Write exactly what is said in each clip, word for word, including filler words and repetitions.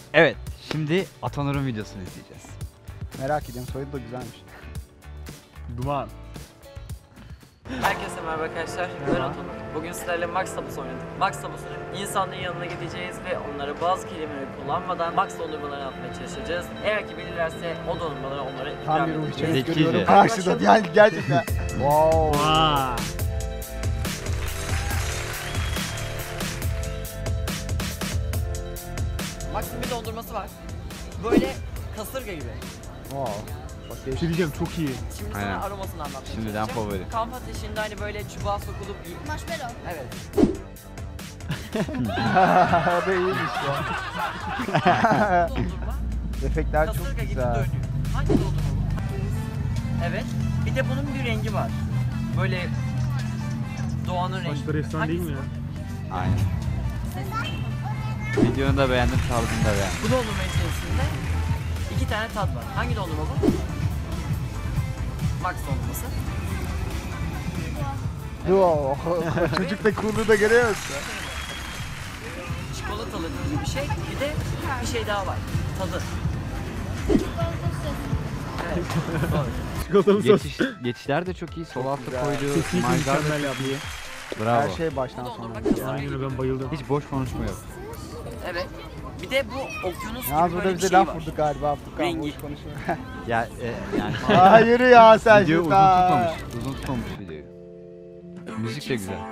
Evet, şimdi Atanur'un videosunu izleyeceğiz. Merak ediyorum, soyadı da güzelmiş. Duman. Herkese merhaba arkadaşlar, ben Atanur. Bugün sizlerle Max Tabus oynadık. Max Tabus'un insanların yanına gideceğiz ve onlara bazı kelimeleri kullanmadan Max dondurmalarını atmaya çalışacağız. Eğer ki bilirlerse o dondurmaları onlara ikram Tam bir ruh edeceğiz. içerik Zekice. görüyorum karşıda. Yani gerçekten. Wow. Vaa. Max'ın bir dondurması var. Böyle kasırga gibi. Wow. Bak Bir şey değişik. diyeceğim, çok iyi. Şimdi Aynen. sana aromasını anlatmaya Şimdiden çalışacağım. favori. Kamp ateşinde hani böyle çubuğa sokulup... Marshmallow. Evet. O da iyiymiş ya. Dondurma Efektler çok kasırga gibi güzel. dönüyor. Hangi dondurma bu? Evet. Bir de bunun bir rengi var. Böyle doğanın rengi. Saçları efsane değil mi ya? Aynen. Videonu da beğendim, tarzını da beğendim. Bu dondurma içerisinde iki tane tat var. Hangi dondurma bu? Max dondurması. Wow. Çocuk da kurdu da görüyor musun? Çikolatalı gibi bir şey. Bir de bir şey daha var. Tadı. Evet. Doğru. Çikolatalı sos. Geçiş, geçişler de çok iyi. Sol altta güzel. koyduğu Kesinlikle imajlar da mükemmel çok yapmış. iyi. Bravo. Her şey baştan Bu sona. dondurma kasırga Aynen gibi. öyle, ben bayıldım. Hiç boş konuşma yok. Evet. Bir de bu okyanus gibi Yalnız böyle burada bir bize şey laf var. vurdu galiba Abdülkan. Rengi. Boş konuşuyor. Ya e, yani Aa yürü ya sen video uzun şurada. tutmamış. Uzun tutmamış videoyu. Müzik de güzel.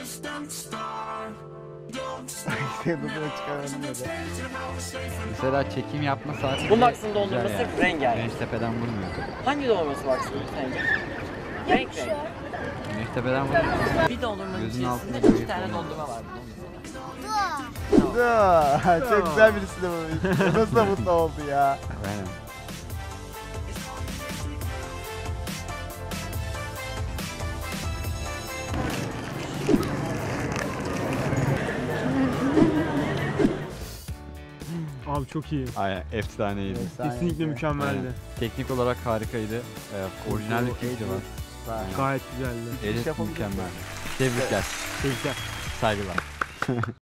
Dudunu çıkaralım dedi. Mesela çekim yapma saati Bu bile Max'ın güzel dondurması yani. rengarenk. Güneş tepeden vurmuyor. Hangi dondurması Max'ın sence? Renk renk. Güneş tepeden vurmuyor. Bir dondurmanın Gözünün altında içerisinde iki böyle tane yapıyor. dondurma var. bu Dur. dondurmada. Çok güzel birisi de bu. Nasıl da mutlu oldu ya. Aynen. Abi çok iyi. Aynen. Efsaneydi. Efsane. Kesinlikle mükemmeldi. Teknik olarak harikaydı. Ee, orijinal bir fikri var. Süper. Gayet güzeldi. Edit yapabiliriz. mükemmel. Tebrikler. Tebrikler. Saygılar.